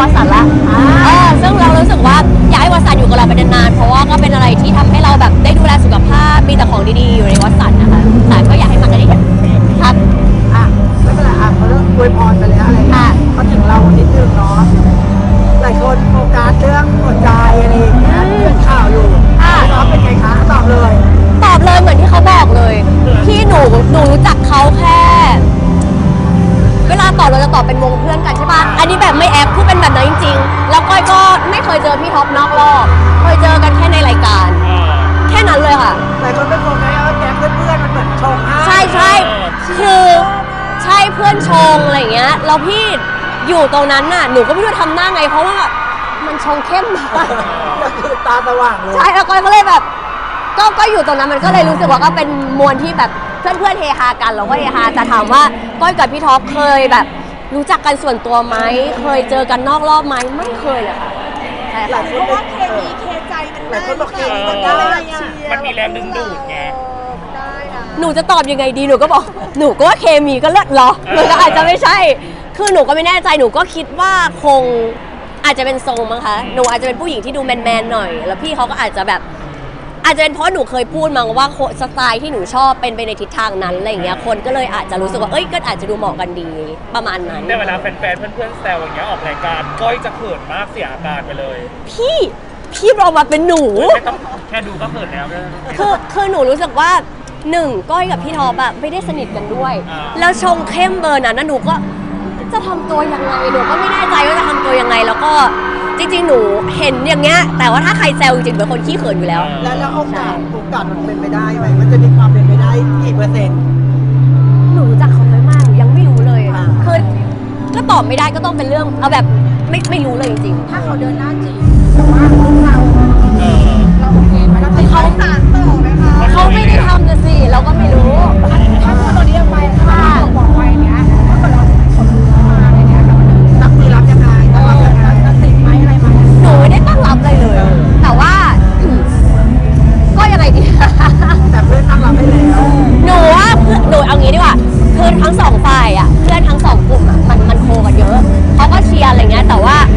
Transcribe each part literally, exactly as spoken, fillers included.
วสันต์ละเออซึ่งเรารู้สึกว่าอยากให้วสันต์อยู่กับเราไปนานๆเพราะว่าก็เป็นอะไรที่ทำให้เราแบบได้ดูแลสุขภาพมีแต่ของดีๆอยู่ในวสันต์นะคะแต่ก็อยากให้มันได้ครับอ่ะไม่เป็นไรอ่ะเขาเรื่องอวยพรไปแล้วอะไรอ่ะมาถึงเรานิดนึงเนาะหลายคนโฟกัสเรื่องหัวใจอะไรอย่างเงี้ยเรื่องข่าวอยู่น้องเป็นไงคะตอบเลยตอบเลยเหมือนที่เขาบอกเลยพี่หนูหนูรู้จักเขาแค่เวลาตอบเราจะตอบเป็นวงเพื่อนกันใช่ปะอันนี้แบบไม่แอปคือเป็นแบบนั้นจริงๆแล้วก้อยก็ไม่เคยเจอพี่ท็อปนอกรอบเคยเจอกันแค่ในรายการแค่นั้นเลยค่ะหลายคนเป็นโฟกัสว่าแก๊งเพื่อนๆมันเหมือนชงใช่ใช่คือใช่เพื่อนชงอะไรอย่างเงี้ยแล้วพี่อยู่ตรงนั้นน่ะหนูก็ไม่รู้ทำหน้าไงเพราะว่ามันชงเข้มมากก็คือตาสว่างเลยใช่แล้วก้อยก็เลยแบบก็ก็อยู่ตรงนั้นมันก็เลยรู้สึกว่าก็เป็นมวลที่แบบเพื่อนเพื่อนเฮฮากันเราก็เฮฮาแต่ถามว่าก้อยกับพี่ท็อปเคยแบบรู้จักกันส่วนตัวไหมเคยเจอกันนอกรอบไหมไม่เคยเลยค่ะใช่ค่ะเพราะว่าเคมีเคใจมันได้มันเคมีมันได้มันมีแรงดึงดูดไงหนูจะตอบยังไงดีหนูก็บอกหนูก็ว่าเคมีก็เลิศเหรอหนูก็อาจจะไม่ใช่คือหนูก็ไม่แน่ใจหนูก็คิดว่าคงอาจจะเป็นทรงมั้งคะหนูอาจจะเป็นผู้หญิงที่ดูแมนๆหน่อยแล้วพี่เขาก็อาจจะแบบอาจจะเป็นเพราะหนูเคยพูดมาว่าสไตล์ที่หนูชอบเป็นไปในทิศทางนั้นอะไรอย่างเงี้ยคนก็เลยอาจจะรู้สึกว่าเอ้ยก็อาจจะดูเหมาะกันดีประมาณนั้นแต่เวลาแฟนๆเพื่อนๆแซวอย่างเงี้ยออกรายการก้อยจะเขินมากเสียอาการไปเลยพี่พี่เรามาเป็นหนูไม่ต้องแค่ดูก็เขินแล้วคือคือหนูรู้สึกว่าหนึ่งก้อยกับพี่ท็อปอะไม่ได้สนิทกันด้วยแล้วชงเข้มเบอร์นั้นนะหนูก็จะทำตัวยังไงหนูก็ไม่แน่ใจว่าจะทำตัวยังไงแล้วก็จริงๆหนูเห็นอย่างเงี้ยแต่ว่าถ้าใครแซวจริงๆเป็นคนขี้เขินอยู่แล้วแล้วแล้วโอกาสโอกาสมันเป็นไปได้ไหมมันจะมีความเป็นไปได้กี่เปอร์เซ็นต์หนูรู้จักเขาน้อยมากหนูยังไม่รู้เลยคือก็ตอบไม่ได้ก็ต้องเป็นเรื่องเอาแบบไม่ไม่รู้เลยจริงๆถ้าเขาเดินหน้าจีบแต่ว่าเราเราโอเคไหมเราเป็นเขาสารต่อไหมคะเขาไม่ได้ทำจะสิเราก็ไม่รู้ถ้าพูดตัวนี้ไปถ้าบอกไว้เนี้ยถ้าเกิดเราคนมาอะไรเงี้ยเรารับมือรับยังไงเราจะติดไหมอะไรไหมหนูไม่ได้ตั้งรับเลยเลยแต่ว่าก็ยังไงดีแต่เพื่อนตั้งรับให้แล้วหนูว่าเพื่อนหนูเอางี้ดีกว่าคือทั้งสองฝ่ายอ่ะเพื่อนทั้งสองกลุ่มอ่ะมันมันโคกันเยอะเขาก็เชียร์อะไรเงี้ยแต่ว่า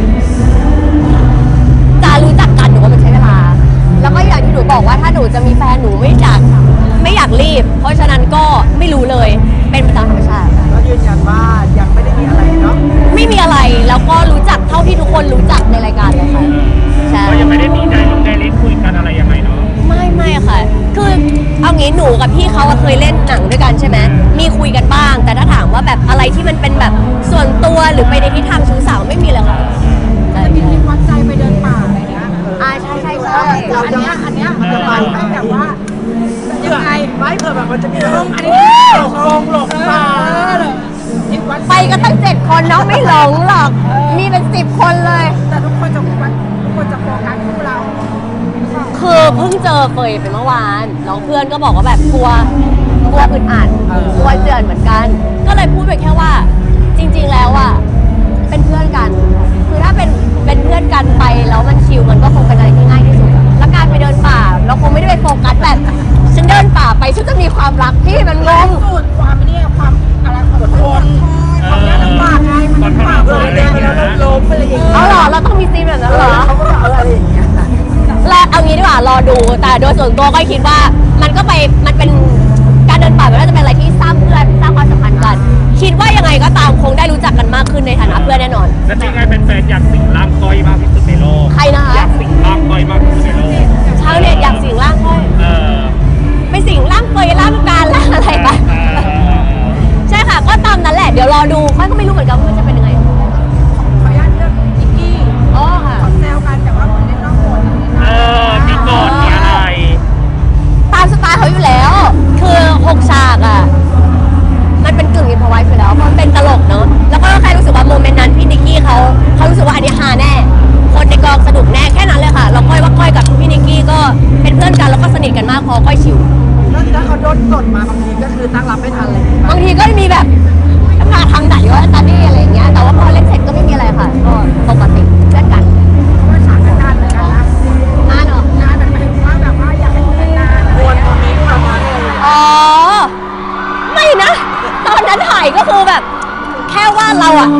จะรู้จักกันหนูว่ามันใช้เวลาแล้วก็อย่างที่หนูบอกว่าถ้าหนูจะมีแฟนหนูไม่อยากไม่อยากรีบเพราะฉะนั้นก็ไม่รู้เลยเป็นไปตามธรรมชาติก็ยืนยันว่ายังไม่ได้มีอะไรเนาะไม่มีอะไรแล้วก็รู้จักเท่าที่ทุกคนรู้จักในรายการเลยค่ะใช่ก็ยังไม่ได้มีใจลงใจเล่นคุยกันอะไรยังไงเนาะไม่ไม่ค่ะคือเอางี้หนูกับพี่เขาเคยเล่นหนังด้วยกันใช่ไหมมีคุยกันบ้างแต่ถ้าถามว่าแบบอะไรที่มันเป็นแบบส่วนตัวหรือไปในทิศทางชู้สาวไม่มีเลยค่ะจะมีคลิปวัดใจไปเดินป่าอะไรเงี้ยอ่าใช่ใช่ใช่อันเนี้ยอันเนี้ยมันจะไปแบบว่ายังไงไม่เผื่อแบบมันจะมีห้องอันนี้หลงลงหลงป่าไปก็ตั้งเจ็ดคนเนาะไม่หลงหรอกมีเป็นสิบคนเลยแต่ทุกคนจะทุกคนจะโฟกัสคู่เราคือเพิ่งเจอเฟยไปเมื่อวานน้องเพื่อนก็บอกว่าแบบกลัวกลัวอึดอัดกลัวเจือนเหมือนกันก็เลยพูดไปแค่ว่าจริงๆแล้วอ่ะเป็นเพื่อนกันคือถ้าเป็นเป็นเพื่อนกันไปแล้วมันชิลมันก็คงเป็นอะไรที่ง่ายที่สุดแล้วการไปเดินป่าเราคงไม่ได้ไปโฟกัสแบบฉันเดินป่าไปฉันจะมีความรักพี่มันงงสุดความเนี่ยความอะไรอดทนความยากลำบากไงมันป่าเลยเนี่ยแล้วล้มอะไรอย่างเงี้ยเอาหรอเราต้องมีซีนแบบนั้นเหรอเขาก็เอาอะไรอย่างเงี้ยแล้วเอางี้ดีกว่ารอดูแต่โดยส่วนตัวก็คิดว่ามันก็ไปมันเป็นการเดินป่ามันน่าจะเป็นอะไรที่สร้างเพื่อนสร้างความสัมพันธ์กันคิดว่ายังไงก็ตามคงได้รู้จักกันมากขึ้นในฐานะเพื่อนแน่นอนแล้วจริงไงเป็นแฟนอยากสิงร่างก้อยมากที่สุดในโลกใครนะคะอยากสิงร่างก้อยมากที่สุดในโลกชาวเน็ตอยากสิงร่างก้อยเออไปสิงร่างก้อยร่างการร่างอะไรไปใช่ค่ะก็ตามนั้นแหละเดี๋ยวรอดูค่อยก็ไม่รู้เหมือนกันว่ามันจะเป็นยังไงขออนุญาตเรื่องนิกกี้อ๋อค่ะขอแซวกันแต่ว่าคนเล่นนอกบทเออมีกอดมีอะไรตามสไตล์เขาอยู่แล้วคือหกฉากอ่ะมันเป็นกึ่งอินพอไว้อยู่แล้วเพราะมันเป็นตลกเนาะแล้วก็ใครรู้สึกว่าโมเมนต์นั้นพี่นิกกี้เขาเขารู้สึกว่าอันนี้ฮาแน่คนในกองสนุกแน่แค่นั้นเลยค่ะเราก้อยว่าก้อยกับพี่นิกกี้ก็เป็นเพื่อนกันแล้วก็สนิทกันมากพอก้อยชิวแล้วถ้าเขาโดนกดมาบางทีก็คือตั้งรับไม่ทันเลยบางทีก็มีแบบมาทางไหนวะตาดี้อะไรอย่างเงี้ยแต่ว่าพอเล่นเสร็จก็ไม่มีอะไรค่ะก็ปกติเล่นกันเพราะฉากกันเหมือนกันนะอ่าเนาะงานแบบหมายถึงว่าแบบว่าอยากให้เป็นนานวนตรงนี้ประมาณนี้อ๋อไม่นะตอนนั้นถ่ายก็คือแบบแค่ว่าเราอะคิดไม่อ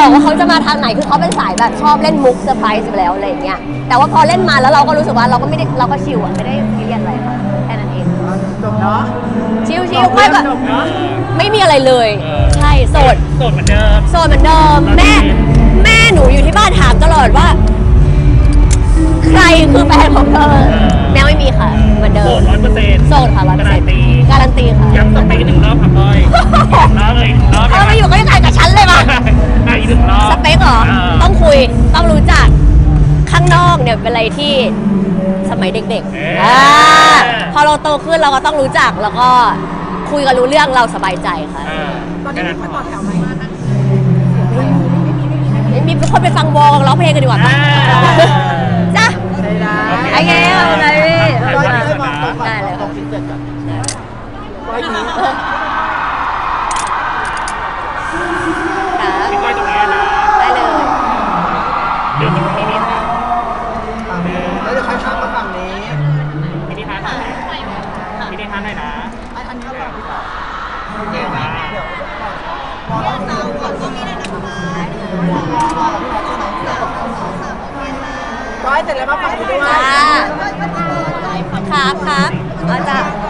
บอกว่าเขาจะมาทางไหนคือเขาเป็นสายแบบชอบเล่นมุกเซอร์ไพรส์อยู่แล้วอะไรอย่างเงี้ยแต่ว่าพอเล่นมาแล้วเราก็รู้สึกว่าเราก็ไม่ได้เราก็ชิลอะไม่ได้ซีเรียสอะไรค่ะแค่นั้นเองจบเนาะชิลชิลไม่แบบจบเนาะไม่มีอะไรเลยเออใช่โสดโสดเหมือนเดิมโสดเหมือนเดิมแม่แม่หนูอยู่ที่บ้านถามตลอดว่า ใครคือแฟนของเธอแม่ไม่มีค่ะเหมือนเดิโสมดร้อยเปอร์เซ็นต์โสดค่ะร้อยเปอร์กาเซ็นรันต์ตีการันตีค่ะย้ำสเปคหนึ่งรอบค่ะก้อยบอกแล้วเลยอีกหนึ่งรอบเออมาอยู่ก็ยังไงกับฉันเลยป่ะอ่ะอีกหนึ่งรอบสเปคเหรอาต้องคุย ต้องรู้จัก ข้างนอกเนี่ยเป็นอะไรที่สมัยเด็กเอ๊ะๆอ่าพอเราโตขึ้นเราก็ต้องรู้จักแล้วก็คุยกันรู้เรื่องเราสบายใจค่ะอ่าตอนนี้มีคนต่อแถวไหมไม่มีคนไปฟังวอลร้องเพลงกันดีกว่าปะอ่าจ้ะได้ได้โอเคขอบคุณค่ะพี่ร้อยได้มองตรงก่อนได้เลยตรงพิเศษก่อนร้อยนี้ค่ะพี่ก้อยตรงนี้นะได้เลยเดี๋ยวมีพี่นิทานฝั่งนี้แล้วเดี๋ยวค่อยข้ามมาฝั่งนี้พี่นิทานหน่อยพี่นิทานหน่อยนะอันนี้ก็ฝั่งที่สองเดี๋ยวนะมองเราเราก่อนก็มีได้นะคะก้อยเสร็จแล้วมาฝั่งนี้ด้วยจ้าครับครับเอาจ้ะ